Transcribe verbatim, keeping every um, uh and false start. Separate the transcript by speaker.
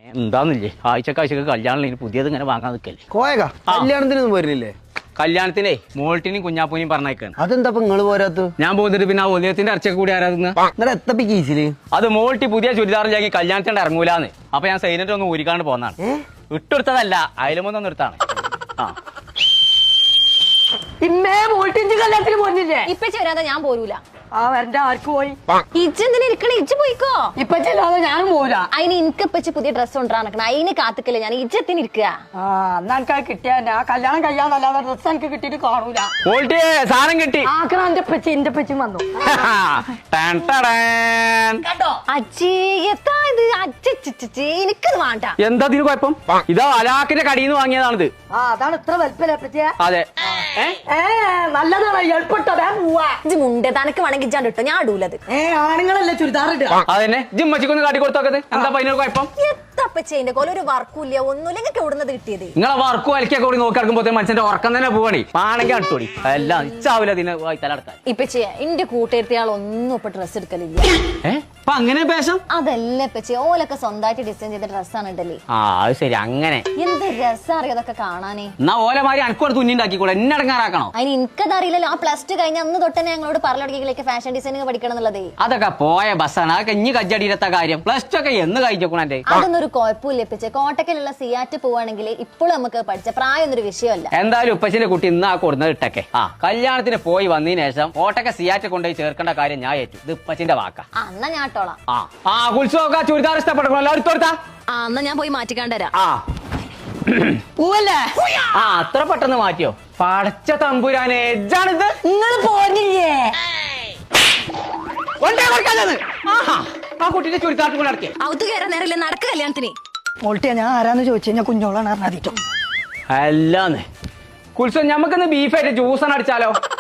Speaker 1: എന്താന്നില്ലേ ആഴ്ചക്കാഴ്ചക്ക് കല്യാണം പുതിയത് ഇങ്ങനെ വാങ്ങാൻ നിൽക്കല്ലേ.
Speaker 2: കോയക കല്യാണത്തിനൊന്നും വരുന്നില്ലേ?
Speaker 1: കല്യാണത്തിനെ മോൾട്ടിനും കുഞ്ഞാപ്പൂനെയും പറഞ്ഞേക്കാണ്.
Speaker 2: അതെന്താ നിങ്ങള് പോരാത്ത?
Speaker 1: ഞാൻ പോകുന്നിട്ട് പിന്നെ ആ ഒലിയത്തിന്റെ അരച്ചൊക്കെ കൂടി ആരാധന.
Speaker 2: നിങ്ങളെ എത്തപ്പി കീസില്
Speaker 1: അത് മോൾട്ടി പുതിയ ചുരിദാറിലാക്കി കല്യാണത്തിന്റെ ഇറങ്ങൂലാന്ന്. അപ്പൊ ഞാൻ സൈനറ്റ് ഒന്ന് ഊരിക്കാണ്ട് പോന്നാണ്. ഇട്ടെടുത്തതല്ല, അയലുമൊന്നും എടുത്താണ്. ആ
Speaker 3: ഇമ്മേ മോൾട്ടിഞ്ച് കല്യാണത്തിന് പോന്നില്ലേ?
Speaker 4: ഇപ്പൊ ചേരാതെ ഞാൻ പോരൂല.
Speaker 3: ആ വരണ്ട ആർക്ക് പോയി?
Speaker 4: ഇജ്ജെന്തിനാ ഇരിക്കണേ? ഇജ്ജ് പോയിക്കോ.
Speaker 3: ഇപ്പൊ ചെല്ലാതെ ഞാനും പോരാ.
Speaker 4: അതിന് എനിക്ക് ഇപ്പച്ച് പുതിയ ഡ്രസ്സ് കൊണ്ടുവരാൻ നിൽക്കണം. അതിന് കാത്തിക്കല്ലേ ഞാൻ. ഇജ്ജത്തിന് ഇരിക്കുക.
Speaker 3: ആ എന്നാ എനിക്ക് കിട്ടിയ ആ കല്യാണം കഴിയാന്നല്ലാതെ ഡ്രസ്സ് എനിക്ക് കിട്ടിയിട്ട് കാണൂല.
Speaker 1: മോൾട്ടി സാധനം കിട്ടി.
Speaker 3: ആക്കണ എന്റെ പച്ചി എന്റെ പച്ചി വന്നു.
Speaker 4: കേട്ടോ അച്ഛേ എത്താ ഇത്? അച്ഛേ എനിക്കത് വേണ്ട.
Speaker 1: എന്താ ഇതിന് കുഴപ്പം? ഇതാ അലാക്കിന്റെ കടയിൽ നിന്ന് വാങ്ങിയതാണിത്.
Speaker 3: ആ അതാണ് ഇത്ര വലിപ്പല്ലേ പറ്റിയ?
Speaker 1: അതെ
Speaker 3: ഏ നല്ലതാണ് എളുപ്പട്ടോ. വേ പോവാ.
Speaker 4: ഇജ്ജ് മുണ്ട് തനക്ക് വേണമെങ്കിൽ ഇജ്ജാണ്ട് ഇട്ടോ, ഞാൻ ഇടൂലത്.
Speaker 3: ഏ ആണുങ്ങളല്ലേ ചുരിദാർ ഇടുക.
Speaker 1: അതന്നെ ജിമ്മച്ചിക്കൊന്ന് കാട്ടി കൊടുത്തോക്കത്. എന്താ അതിനൊരു കുഴപ്പം?
Speaker 4: എത്തപ്പച്ചേന്റെ കോല ഒരു വർക്കൂല്ല, ഒന്നുമില്ല. നിങ്ങൾക്ക് എവിടുന്നത് കിട്ടിയത്?
Speaker 1: നിങ്ങളെ വർക്കും അലക്കൊക്കെ കൂടി നോക്കി നടക്കുമ്പോ മനുഷ്യന്റെ ഉറക്കം തന്നെ പോവാണി. പാണെങ്കിൽ അടുത്തോടി എല്ലാം ഇച്ചാവില്ല അതിനെ തലടക്കാൻ.
Speaker 4: ഇപ്പച്ചേ എന്റെ കൂട്ടുകാരത്തിയാൾ ഒന്നും ഇപ്പൊ ഡ്രസ് എടുക്കലില്ല.
Speaker 1: ഏഹ് അപ്പൊ അങ്ങനെ പേശം?
Speaker 4: അതല്ല ഇപ്പച്ചേ, ഓലൊക്കെ സ്വന്തമായിട്ട് ഡിസൈൻ ചെയ്ത ഡ്രസ്സാണ് ഇടല്ലേ.
Speaker 1: ആ അത് ശരി. അങ്ങനെ
Speaker 4: എന്ത് രസം അറിയാതൊക്കെ കാണാനേ.
Speaker 1: എന്നാ ഓലമാരി അനക്കോട് തുന്നിണ്ടാക്കിക്കൂടെ, എന്നെ അടങ്ങാറാക്കണോ?
Speaker 4: അതിന് എനിക്കതറിയില്ലല്ലോ. ആ പ്ലസ് ടു കഴിഞ്ഞ അന്ന് തൊട്ട് തന്നെ ഞങ്ങളോട് പറഞ്ഞിടക്കിലേക്ക് ഫാഷൻ ഡിസൈനിങ് പഠിക്കണം എന്നുള്ളതേ.
Speaker 1: അതൊക്കെ പോയ ബസ്സാണ്. അതൊക്കെ ഇനി കജ്ജടിയിലെത്ത കാര്യം. പ്ലസ് ടു ഒക്കെ എന്ന് കഴിച്ചോക്കണേ.
Speaker 4: അതൊന്നും ഒരു കുഴപ്പമില്ല ഇപ്പച്ചേ. കോട്ടക്കലുള്ള സിയാറ്റ് പോവാണെങ്കിൽ ഇപ്പോഴും നമുക്ക് പഠിച്ച പ്രായം എന്നൊരു വിഷയമല്ല.
Speaker 1: എന്തായാലും ഉപ്പച്ചിന്റെ കുട്ടി ഇന്ന് ആ കൊടുന്നത് ഇട്ടൊക്കെ. ആ കല്യാണത്തിന് പോയി വന്നതിന് ശേഷം ഓട്ടൊക്കെ സിയാറ്റ് കൊണ്ടുപോയി ചേർക്കേണ്ട കാര്യം ഞാൻ ഏറ്റു. ഇത് ഉപ്പച്ചിന്റെ വാക്കാ.
Speaker 4: ആ എന്നാ ഞാൻ ഇട്ടോളാം.
Speaker 1: ആ ആ ഉത്സവമൊക്കെ ചുരിദാർ ഇഷ്ടപ്പെട്ടോ? എല്ലാവരും എടുത്തോടുത്താ.
Speaker 4: ആ എന്നാ ഞാൻ പോയി മാറ്റിക്കാണ്ടരാ.
Speaker 1: ആ
Speaker 3: പോവല്ലേ?
Speaker 1: ആ അത്ര പെട്ടെന്ന് മാറ്റിയോ? പടച്ച തമ്പുരാനെ എജ്ജാണിത്.
Speaker 3: നിങ്ങൾ പോന്നില്ലേ?
Speaker 1: ആ കുട്ടിന്റെ ചുരിദാർ കൂടെ നടക്കേ.
Speaker 4: ഔത്ത് കയറാൻ നേരല്ലേ നടക്ക കല്യാണത്തിന്.
Speaker 3: മോൾട്ടിയാ ഞാൻ ആരാന്ന് ചോദിച്ചു കഴിഞ്ഞാൽ കുഞ്ഞോളാണ് അറിഞ്ഞിട്ടോ.
Speaker 1: അല്ലാന്ന് കുൽസോ ഞമ്മക്കിന്ന് ബീഫായിട്ട് ജ്യൂസാണ് അടിച്ചാലോ?